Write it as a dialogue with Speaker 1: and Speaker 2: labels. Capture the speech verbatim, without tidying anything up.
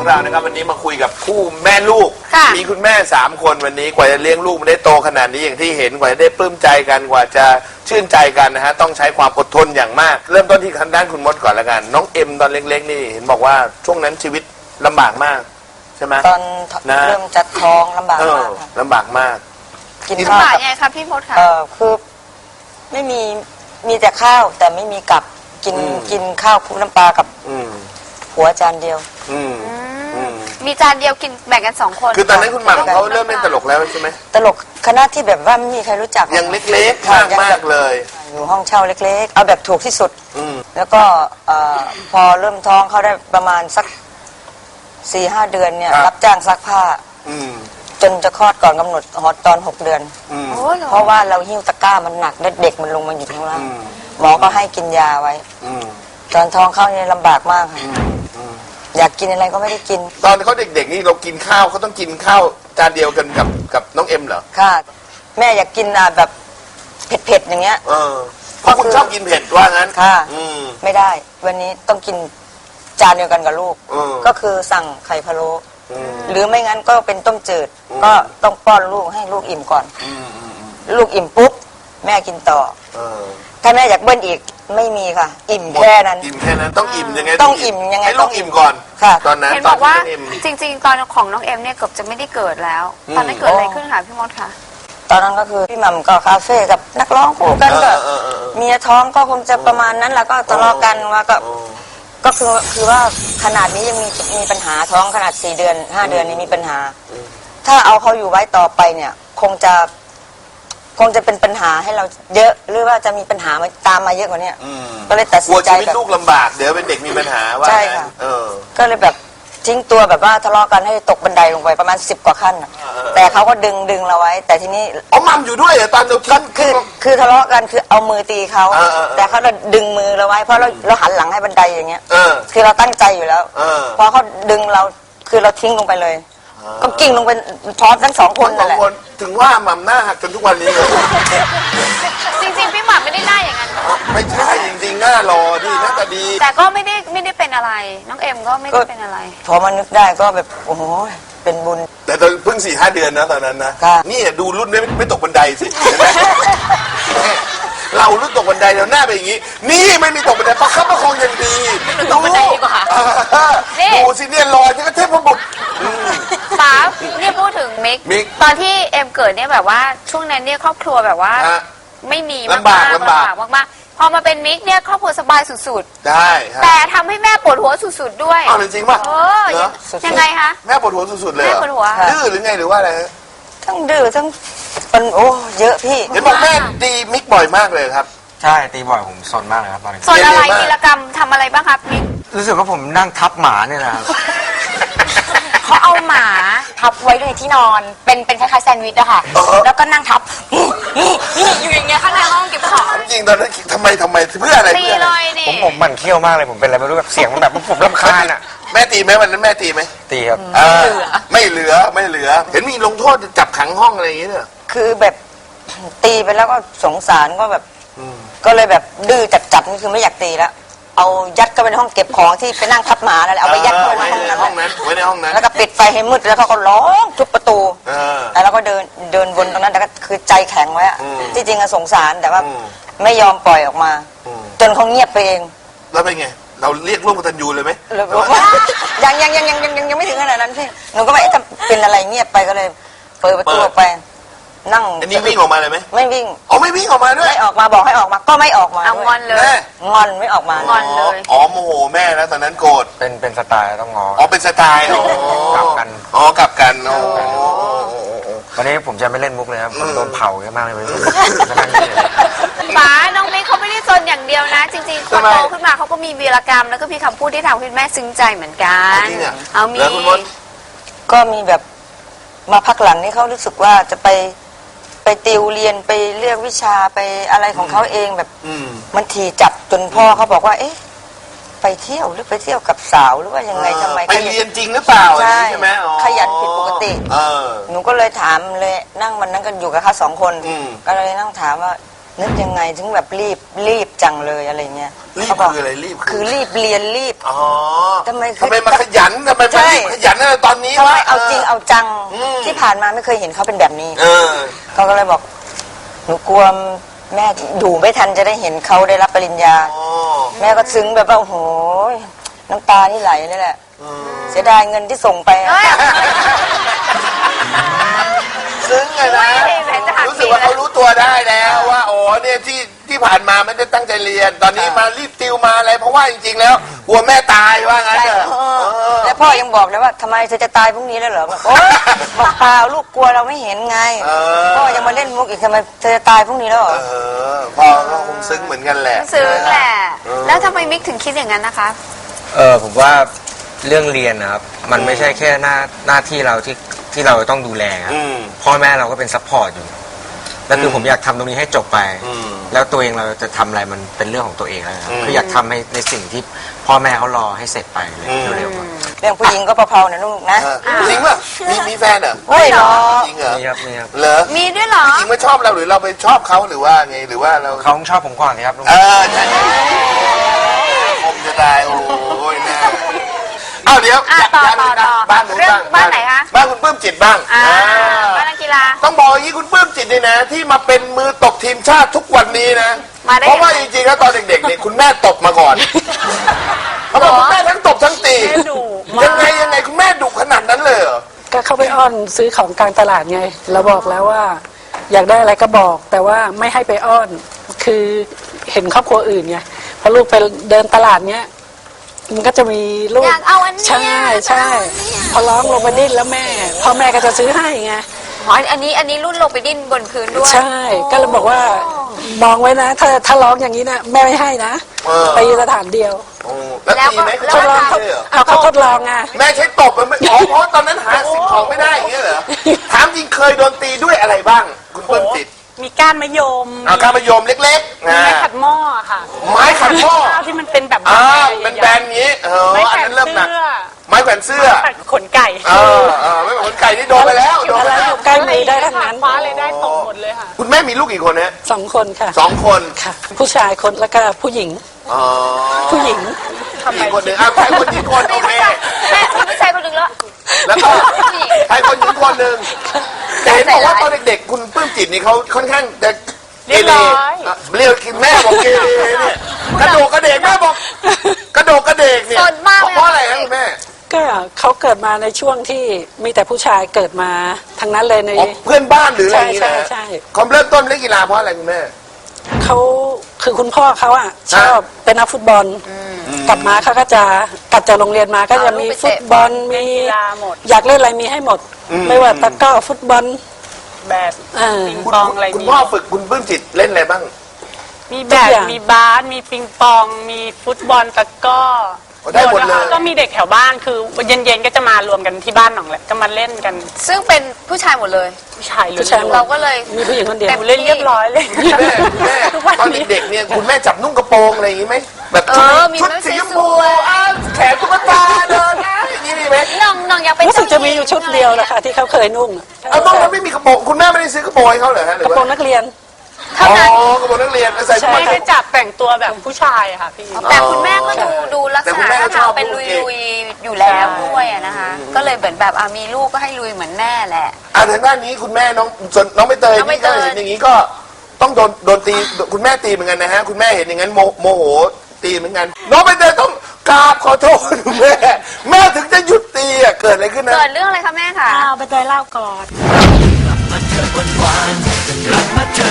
Speaker 1: เรานะครับวันนี้มาคุยกับคู่แม่ลูกมีคุณแม่สามคนวันนี้กว่าจะเลี้ยงลูกมันได้โตขนาดนี้อย่างที่เห็นกว่าจะได้ปลื้มใจกันกว่าจะชื่นใจกันนะฮะต้องใช้ความอดทนอย่างมากเริ่มต้นที่ทางด้านคุณมดก่อนละกันน้องเอ็มตอนเล็กๆนี่เห็นบอกว่าช่วงนั้นชีวิตลำบากมากใช่ไหม
Speaker 2: ตอนเริ่มจัดท้องลำบากมาก
Speaker 1: ลำบากมาก
Speaker 2: กิน
Speaker 3: ข้าวไงคะพี่มดค่ะ
Speaker 2: เออคือไม่มีมีแต่ข้าวแต่ไม่มีกับกินกินข้าวคลุกน้ำปลากับหัวจานเดียว
Speaker 3: มีจานเดียวกินแบ่งกันสองคน
Speaker 1: คือตอนนั้นคุณหม่ำเขาเริ่มเล่นตลกแล้วใช่ไหม
Speaker 2: ตลกคณะที่แบบว่าไม่มีใครรู้จัก
Speaker 1: ยังเล็กๆมากมากเลย
Speaker 2: อยู่ห้องเช่าเล็กๆเอาแบบถูกที่สุดแล้วก็พอเริ่มท้องเขาได้ประมาณสักสี่ห้าเดือนเนี่ยรับจ้างซักผ้าจนจะคลอดก่อนกำหนดฮอตตอนหกเดือนเพราะว่าเราหิ้วตะกร้ามันหนักเด็กมันลงมาอยู่ข้างล่างหมอก็ให้กินยาไว้ตอนท้องเข้าเนี่ยลำบากมากค่ะอยากกินอะไรก็ไม่ได้กิน
Speaker 1: ตอนเขาเด็กๆนี่เรากินข้าวเขาต้องกินข้าวจานเดียวกันกับกับน้องเอ็มเหรอ
Speaker 2: ค่ะแม่อยากกินแบบเผ็ดๆอย่างเงี้ย
Speaker 1: เออเพราะคุณชอบกินเผ็ดว่างั้น
Speaker 2: ค่ะไม่ได้วันนี้ต้องกินจานเดียวกันกับลูกก็คือสั่งไข่พะโล้หรือไม่งั้นก็เป็นต้มจืดก็ต้องป้อนลูกให้ลูกอิ่มก่อนลูกอิ่มปุ๊บแม่กินต่อถ้าแม่อยากเบิ้ลอีกไม่มีค่ะอิ่มแค่นั้น
Speaker 1: อิ่มแค่นั้นต้องอิ่มยังไง
Speaker 2: ต้องอิ่มยังไง
Speaker 1: ให้ลูกอิ่มก่อน
Speaker 2: ค่ะ
Speaker 1: ตอนนั้น
Speaker 3: เห็นบอกว่าจริงๆตอนของน้องเอ็มเนี่ยเกือบจะไม่ได้เกิดแล้วตอนนั้นเกิดอะไรขึ้นคะพี่มดคะ
Speaker 2: ตอนนั้นก็คือพี่หม่ำก็คาเฟ่กับนักร้องคู่กันก็เมียท้องก็คงจะประมาณนั้นแล้วก็ทะเลาะกันว่าก็ก็คือคือว่าขนาดนี้ยังมีมีปัญหาท้องขนาดสี่เดือนห้าเดือนนี้มีปัญหาถ้าเอาเขาอยู่ไว้ต่อไปเนี่ยคงจะคงจะเป็นปัญหาให้เราเยอะหรือว่าจะมีปัญหามาตามมาเยอะกว่านี้ก็เลยตัดสินใจ
Speaker 1: กลัวชีวิตลูกลำบากเดี๋ยวเป็นเด็กมีปัญหาว่า
Speaker 2: ใช่ค่ะก็เลยแบบทิ้งตัวแบบว่าทะเลาะกันให้ตกบันไดลงไปประมาณสิบกว่าขั้นแต่เขาก็ดึงดึงเราไว้แต่ทีนี้
Speaker 1: อ๋อมัมอยู่ด้วยเหรอตอนเรา
Speaker 2: ก็คือคือทะเลาะกันคือเอามือตีเขาแต่เขาจะดึงมือเราไว้เพราะเราเราหันหลังให้บันไดอย่างเงี้ยคือเราตั้งใจอยู่แล้วพอเขาดึงเราคือเราทิ้งลงไปเลยก็กิ่งลงไปพร้อมทั้งสองคนนั่นแหละ
Speaker 1: ถึงว่ามัมหน้าหักจนทุกวันนี้เลย
Speaker 3: จริงๆพี่หม่ำไม่ได้หน้าอย่างนั้น
Speaker 1: ไม่ใช่จริงๆหน้ารอดีหน้าตาดี
Speaker 3: แต่ก็ไม่ได้ไม่ได้เป็นอะไรน้องเอ็มก็ไม่ได้เป็นอะไร
Speaker 2: พอมานึกได้ก็แบบโอ้โหเป็นบุญ
Speaker 1: แต่ตอนเพิ่งสี่ห้าเดือนนะตอนนั้นนะนี่ดูรุ่นไม่ไม่ตกบันไดสิเห็นไหมเรารุ่นตกบันไดเราหน้าเป็นอย่างนี้นี่ไม่มีตกบันไดประคับประคองอย่างดี
Speaker 3: ตกบันไดดีกว่า
Speaker 1: ดูสิเนี่ยลอยที่ก็เทพบุตร
Speaker 3: ป๋าเนี่ยพูดถึงมิกตอนที่เอ็มเกิดเนี่ยแบบว่าช่วงนั้นเนี่ยครอบครัวแบบว่าไม่มี
Speaker 1: ลำบากลำบาก
Speaker 3: มากๆพอมาเป็นมิกเนี่ยครอบครัวสบายสุด
Speaker 1: ๆได้
Speaker 3: แต่ทำให้แม่ปวดหัวสุดๆด้วย
Speaker 1: อ้าวจริงป่ะ
Speaker 3: เออยังไงคะ
Speaker 1: แม่ปวดหัวสุดๆเลย
Speaker 3: แม่ปวดหัว
Speaker 1: ดื้อหรือไงหรือว่าอะไร
Speaker 2: ทั้งดื้อทั้งเป็นโอ้เยอะพี่
Speaker 1: เห็นบอกแม่ตีมิกบ่อยมากเลยครับ
Speaker 4: ใช่ตีบ่อยผมสนมากเลยครับตอนนี้
Speaker 3: สนอะไรวีรกรรมทำอะไรบ้างครับมิก
Speaker 4: รู้สึกว่าผมนั่งทับหมาเนี่ยนะครับ
Speaker 3: เขาเอาหมาทับไว้ในที่นอนเป็นเป็นคล้ายๆแซนด์วิชอะค่ะแล้วก็นั่งทับนี่อยู่อย่างเงี้ยข้างในห้องเก็บของ
Speaker 1: จริงตอนนั้นทำไมทำไมเพื่ออะไร
Speaker 3: ตีเลยนี่
Speaker 4: ผมผมหมั่นเขี้ยวมากเลยผมเป็นอะไรไม่รู้แบบเสียงมันแบบผมรำคาญอะ
Speaker 1: แม่ตีไหมวันนั้นแม่ตีไหม
Speaker 4: ตีครับ
Speaker 1: ไม่เหลือไม่เหลือเห็นมีลงโทษจับขังห้องอะไรอย่างเงี้ย
Speaker 2: คือแบบตีไปแล้วก็สงสารก็แบบก็เลยแบบดื้อจัดๆนี่คือไม่อยากตีแล้วเอายัดเข้าไปในห้องเก็บของที่ไปนั่งทับหมาแล้วเอาไปยัดเข้าไปใน
Speaker 1: ห้องนั้นไว้ในห้องนั้น
Speaker 2: แล้วก็ปิดไฟให้มืดแล้วเขาก็ร้องทุบประตูแล้วเราก็เดินเดินวนตรงนั้นแต่ก็คือใจแข็งไว้ที่จริงอะสงสารแต่ว่าไม่ยอมปล่อยออกมาจนเขาเงียบไปเอง
Speaker 1: แล้วเป็นไงเราเรียกร่วมกตัญญูเลยไหม
Speaker 2: ยังยังยังยังยังยังไม่ถึงขนาดนั้นพี่หนูก็ไม่จะเป็นอะไรเงียบไปก็เลยเปิดประตูไปนั่ง
Speaker 1: อันนี้วิ่งออกมาเลยไหม
Speaker 2: ไม่วิ่ง
Speaker 1: อ๋อไม่วิ่งออกมาด้วย
Speaker 2: ไม่ออกมาบอกให้ออกมาก็ไม่ออกมา
Speaker 3: งอนเลย
Speaker 2: งอนไม่ออกมาง
Speaker 3: อนเลย
Speaker 1: อ๋อโมโหแม่แล้วตอนนั้นโกรธ
Speaker 4: เป็นเป็นสไตล์ต้องงอ
Speaker 1: อ๋อเป็นสไตล์อ๋
Speaker 4: อกลับกัน
Speaker 1: อ๋อกลับกันอ๋อ
Speaker 4: วันนี้ผมจะไม่เล่นมุกเลยครับผมโดนเผาเยอะมากเลย
Speaker 3: ป๋าน้องมิกเขาไม่ได้ซนอย่างเดียวนะจริงๆคนโตขึ้นมาเขาก็มีวีรกรรมแล้วก็มีคำพูดที่ทำให้แม่ซึ้งใจเหมือนกันเอามี
Speaker 2: ก็มีแบบมาพักหลังนี่เขารู้สึกว่าจะไปไปติวเรียนไปเลือกวิชาไปอะไรของเขาเองแบบมันทีจับจนพ่อเขาบอกว่าเอ๊ะไปเที่ยวหรือไปเที่ยวกับสาวหรือว่ายังไงทำไม
Speaker 1: ไปเรียนจริงหรือเปล่าใช่ไหม
Speaker 2: ขยันผิดปกติหนูก็เลยถามเลยนั่งวันนั้นกันอยู่กับเขาสองคนก็เลยนั่งถามว่านึกยังไงถึงแบบรีบรีบจังเลยอะไรเงี้ย
Speaker 1: รีบ
Speaker 2: เขาบอก
Speaker 1: คืออะไรรีบ
Speaker 2: คือรีบเรียนรีบ
Speaker 1: อ๋อ
Speaker 2: ทำไม
Speaker 1: ทำไมมาขยันทำไม
Speaker 2: ใช่
Speaker 1: มารีบขยันอะไรตอนนี้
Speaker 2: เพราะ
Speaker 1: วะ
Speaker 2: ว่าเอาจริงเอาจัง
Speaker 1: อืม
Speaker 2: ที่ผ่านมาไม่เคยเห็นเขาเป็นแบบนี้
Speaker 1: เออ
Speaker 2: เขาก็เลยบอกหนูกลัวแม่อยู่ไม่ทันจะได้เห็นเขาได้รับปริญญา
Speaker 1: อ๋อ
Speaker 2: แม่ก็ซึ้งแบบว่าโอ้โหน้ำตานี่ไหลเลยแหละเสียดายเงินที่ส่งไปอะ
Speaker 3: เอ้ย
Speaker 1: ซึ้งไงนะ
Speaker 3: ไม่เห็นจะหัก
Speaker 1: รู้สึกว่าเขารู้ตัวได้แล้วว่าอ๋อเนี่ยที่ที่ผ่านมาไม่ได้ตั้งใจเรียน ตอนนี้มารีบติวมาอะไรเพราะว่าจริงๆแล้วกลัวแม่ตายว่างั้น
Speaker 2: ใช่
Speaker 1: เถอะ
Speaker 2: เออ
Speaker 1: เออ
Speaker 2: แล้วพ่อยังบอกเลยว่าทำไมเธอจะตายพรุ่งนี้แล้วเหรอบอกโอ๊ยบอกเปล่าลูกกลัวเราไม่เห็นไง
Speaker 1: เออ
Speaker 2: พ่อยังมาเล่นมุกอีกทำไมเธอจะตายพรุ่งนี้แล้วเหรอ
Speaker 1: เออพ่อก็คงซึ้งเหมือนกันแหละ
Speaker 3: ซึ้งแหละ แล้วทำไมมิกถึงคิดอย่างนั้นนะคะ
Speaker 4: เออผมว่าเรื่องเรียนนะครับ มันไม่ใช่แค่หน้าหน้าที่เราที่ที่เราต้องดูแลครับ
Speaker 1: อืม
Speaker 4: พ่อแม่เราก็เป็นซัพพอร์ตอยู่แล้วคือ
Speaker 1: ม
Speaker 4: ผมอยากทำตรงนี้ให้จบไป
Speaker 1: อืม
Speaker 4: แล้วตัวเองเราจะทำอะไรมันเป็นเรื่องของตัวเองแล้วครับ
Speaker 1: อืม
Speaker 4: คืออยากทำให้ในสิ่งที่พ่อแม่เขารอให้เสร็จไปเลย
Speaker 1: อืม
Speaker 4: เร็วๆอะ
Speaker 2: เรื่องผู้หญิงก็เผาๆนะลูกนะ
Speaker 1: เออจริงป่ะมีมีแฟนเหรอ
Speaker 2: เฮ้ยเหรอ
Speaker 1: จริงเหรอ
Speaker 4: นี่ครับนี่ครับ
Speaker 1: เหรอ
Speaker 3: มีด้วยเหรอ
Speaker 1: จริงๆไม่ชอบเราหรือเราไปชอบเขาหรือว่าไงหรือว่าเรา
Speaker 4: เขาชอบผมก่อนเลยครับลุง
Speaker 1: เออใช่คมจะตายโอ้ยแน่อ้าวเดี๋ยว
Speaker 3: อ่ะ
Speaker 1: อยาก
Speaker 3: ต่อ
Speaker 1: อยาก
Speaker 3: ต่อ
Speaker 1: นะ
Speaker 3: ต่อ
Speaker 1: บ้านหนู
Speaker 3: เรื่อง
Speaker 1: บ้าง
Speaker 3: บ้านไหนคะ
Speaker 1: บ้านคุณปลื้มจิตบ้าง
Speaker 3: อ่า
Speaker 1: อ่า
Speaker 3: บ้านนักกีฬา
Speaker 1: ต้องบอกอย่างนี้คุณปลื้มจิตนี่นะ ที่มาเป็นมือตบทีมชาติทุกวันนี้นะ
Speaker 3: มาได้
Speaker 1: เพราะว่า
Speaker 3: ยังไง
Speaker 1: จริงๆแล้วตอนเด็กๆเนี่ยคุณแม่ตบมาก่อนเขาบอกคุณแม่ทั้งตบทั้งตี
Speaker 5: แม่ดุมาก
Speaker 1: ยังไงยังไงคุณแม่ดุขนาดนั้นเลยเหรอ
Speaker 5: ก็เข้าไปอ้อนซื้อของกลางตลาดไง เราบอกแล้วว่า อยากได้อะไรก็บอก แต่ว่าไม่ให้ไปอ้อน คือเห็นครอบครัวอื่นไงพอลูกไปเดินตลาดเนี้ยมันก็จะมีลูก
Speaker 3: อยากเอาอันเนี้ย
Speaker 5: ใช่ใช่
Speaker 3: อยากเอาอันเนี้ย
Speaker 5: พอร้องลงไปดิ้นแล้วแม่พ่อแม่ก็จะซื้อให้ไง
Speaker 3: อ๋ออันนี้อันนี้รุ่นลงไปดิ้นบนพื้นด้วย
Speaker 5: ใช่ ก็เลยบอกว่ามองไว้นะ ถ้าถ้าร้องอย่างนี้นะแม่ไม่ให้นะ
Speaker 1: เออ
Speaker 5: ไปสถานเดียว
Speaker 1: โอ้แล้วตีไหม
Speaker 3: แล้ว
Speaker 5: ท
Speaker 3: ก็
Speaker 5: ดลอง
Speaker 1: เขาตีเลยเหรอ
Speaker 5: เอาเขาทดลองไง
Speaker 1: แม่ใช้ตบมันไม่อ๋อเพราะตอนนั้นหาสิ่งของไม่ได้อย่างเงี้ยเหรอถามจริงเคยโดนตีด้วยอะไรบ้าง คุณปลื้มจิต
Speaker 5: มีก้านมะยม
Speaker 1: เอาข้ามมะยมเล็กๆ
Speaker 5: มี
Speaker 1: นะ
Speaker 5: ไม้ขัดหม้อค่ะ
Speaker 1: ไม้ขัดหม้อ
Speaker 5: ข้าวที่มันเป็นแบบ
Speaker 1: อ่า
Speaker 5: ใหญ่ๆ
Speaker 1: เป็นแบนอย่างงี้เออ
Speaker 5: ไม้
Speaker 1: อัน
Speaker 5: แขว
Speaker 1: นั้น นเริ่มหนัก
Speaker 5: เสื้อ
Speaker 1: ไม้แขวนเสื้อ
Speaker 5: ตัดขนไก่
Speaker 1: เออเออไม่เหมือนคนไก่ที่โดนไปแล้วโดน
Speaker 5: อะ
Speaker 1: ไป
Speaker 5: ไร
Speaker 1: แล้
Speaker 5: อ
Speaker 1: ว
Speaker 5: ยู่ใกล้มือได้ทั้งนั้น
Speaker 6: คว้าเลยได้ตกหมดเลยค่ะ
Speaker 1: คุณแม่มีลูกกี่คนฮะ
Speaker 5: สองคนค่ะ
Speaker 1: สองคน
Speaker 5: ค่ะ ผู้ชายคนแล้วก็ผู้หญิง
Speaker 1: อ๋อ
Speaker 5: ผู้หญิง
Speaker 1: อีกคนหนึ่งอ้าวใครคนหญิงคนโอเค
Speaker 3: แม่มีผู้ชายคนหนึ่งแล้ว
Speaker 1: แล้วก็ใครคนหญิงคนหนึ่งแต่เห็นบอกว่าตอนเด็กๆคุณปลื้มจิตนี่เขาค่อนข้างจะเก
Speaker 6: เรียบ
Speaker 1: เร
Speaker 6: ร้อย
Speaker 1: อ่ะเรียกแม่บอกเกเรเนี่ยกระโดดกระเดกแม่บอก กระโดดกระเดกเนี่ย
Speaker 3: สนมากเลย
Speaker 1: เพราะอะไรครับคุณแม่
Speaker 5: ก็เขาเกิดมาในช่วงที่มีแต่ผู้ชายเกิดมาทั้งนั้นเลยใน
Speaker 1: อ๋อเพื่อนบ้านหรืออะไรอย่างงี้นะ
Speaker 5: ใช่ใช่ใช่
Speaker 1: เขาเริ่มต้นเล่นกีฬาเพราะอะไรคุณแม่
Speaker 5: เขาคือคุณพ่อเขาอ่ะชอบเป็นนักฟุตบอลกลับมาเขาก็จะกลับจากโรงเรียนมาก็จะมีฟุตบอลมี
Speaker 6: กีฬาหมด
Speaker 5: อยากเล่นอะไรมีให้หมด
Speaker 1: อืม
Speaker 5: ไม่ว่าตะกร้อฟุตบอล
Speaker 6: แบบ
Speaker 5: เออ
Speaker 6: ปิงปองอะไร
Speaker 1: คุณ
Speaker 6: มี
Speaker 1: พ่อฝึกคุณปลื้มจิตเล่นอะไรบ้าง
Speaker 6: มีแบ
Speaker 5: ทุ
Speaker 6: บ
Speaker 5: กอย่าง
Speaker 6: มีบาสมีปิงปอง มีฟุตบอลตะกร้อ
Speaker 1: ได้หมดเลย
Speaker 6: ก็มีเด็กแถวบ้านคือเย็นๆก็จะมารวมกันที่บ้านหนองแหละก็มาเล่นกัน
Speaker 3: ซึ่งเป็นผู้ชายหมดเลย
Speaker 6: ผู้ชายล้
Speaker 5: ผู้ชายหม
Speaker 6: ว
Speaker 5: ด
Speaker 6: น
Speaker 3: เราก็เลย
Speaker 5: มีผู้หญิงคนเดียว
Speaker 3: แต่
Speaker 6: ๆเล่นเรียบร้อยเลย
Speaker 1: คุณแม่คุณแม่
Speaker 6: ทุกวัน
Speaker 1: ตอน
Speaker 6: นี้
Speaker 1: เด็กๆเนี่ยคุณแม่จับนุ่งกระโปรงอะไรอย่างงี้ไหมแบบ
Speaker 3: เอ
Speaker 1: ชุด
Speaker 3: อมี
Speaker 1: ชุด
Speaker 3: ไหม
Speaker 1: สีชม
Speaker 3: ส
Speaker 1: พู
Speaker 3: วยๆ
Speaker 1: อ้าวแขนตุ๊กตาเดินนะอย่างนี้มีไหม
Speaker 3: น้องน้องอยากเป็น
Speaker 5: รู้สึกจะมีอยู่ชุดเดียวนะคะที่เขาเคยนุ่ง
Speaker 1: เอาต้องแล้วไม่มีกระโปรงคุณแม่ไม่ได้ซื้อกระโปรงให้เขาเหรอฮะหรื
Speaker 5: ก
Speaker 1: อ
Speaker 5: ระโปร
Speaker 1: ว่าง
Speaker 5: นักเรียน
Speaker 3: เท่านั้น
Speaker 1: อ๋อกระโปรงนักเรียนใส่ชุด
Speaker 6: ไม่
Speaker 1: นัก
Speaker 6: ได้
Speaker 1: เรียน
Speaker 6: จับแต่งตัวแบบผู้ชายอะค่ะพี่
Speaker 3: แต่คุณแม่ก็ดูดูลัก
Speaker 1: แต่
Speaker 3: ษ
Speaker 1: คุณ
Speaker 3: ณะ
Speaker 1: แม่ก็
Speaker 3: ท่า
Speaker 1: ช
Speaker 3: ทา
Speaker 1: อง บ
Speaker 3: เป็น
Speaker 1: ลู
Speaker 3: ลุ
Speaker 1: ก
Speaker 3: ย
Speaker 1: เก่ง
Speaker 3: ลุยๆอยู่แล้วด้วยอะนะคะ ก็เลยเหมือนแบบอ่ะมีลูกก็ให้ลุยเหมือนแม่แหละ
Speaker 1: อ่าทางด้านนี้คุณแม่น้องส่วนน้องใบเตย
Speaker 3: น้องใบ
Speaker 1: นี่
Speaker 3: เต
Speaker 1: ก็
Speaker 3: ย
Speaker 1: เห็นอย่างนี้ก็ต้องโดนโดนตีคุณแม่ตีเหมือนกันนะฮะคุณแม่เห็นอย่างนั้นโมโมโหตีเหมือนกันน้องใบเตยต้องกราบขอโทษคุณแม่แม่ถึงจะหยุดตีอ่ะเกิดอะไรขึ้นนะ
Speaker 3: เกิดเรื่องอะไรคะแม่คะ
Speaker 5: เอาไปเตยเล่าก่อน
Speaker 7: กลับมาเจอวันวานจะกลับมาเจอ